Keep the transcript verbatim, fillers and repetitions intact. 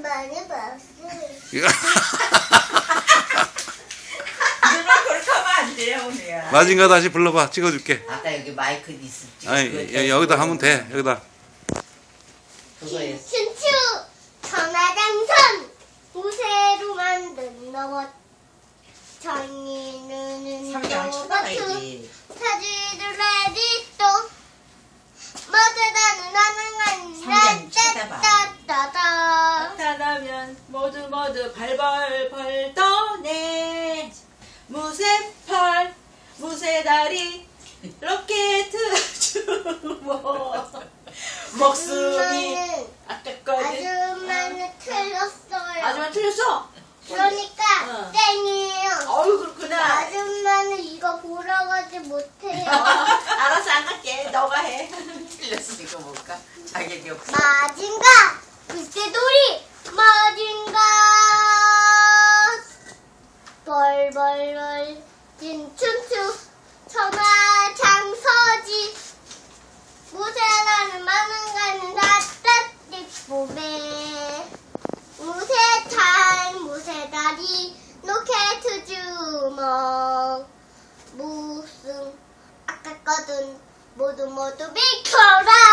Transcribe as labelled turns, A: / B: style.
A: 많이 봤어.
B: 누나 그렇게 하면 안 돼요, 언니야.
C: 마징가 다시 불러봐. 찍어줄게.
B: 아까 여기 마이크 있었지.
C: 아니 여, 여기다 하면 돼. 여기다.
B: 그거에
A: 춘추 천하장선 우세로 만든 너벗 전이는
B: 상장 쳐다봐야지.
A: 사지를 내리 또 모두다는 나는
B: 상장
A: 따따따따
D: 나타나면 모두 모두 발벌벌 떠네. 무쇠팔 무쇠다리 로켓 주모 목숨이 아까까지
A: 아줌마는 틀렸어요.
D: 아줌마 틀렸어?
A: 그러니까
D: 어.
A: 땡이에요.
D: 어우 그렇구나.
A: 아줌마는 이거 보러 가지 못해요.
D: 알았어 안 갈게. 너가 해.
B: 틀렸으니까 뭘까? 자격이 없어.
A: 마징가 글쎄돌이 마징가 벌벌벌 진춘추 천하장서지 무쇠라는 많은 가는 다뜻 봄에 무쇠탈 무쇠다리 로켓 주먹 무슨 아깝거든 모두 모두 비켜라.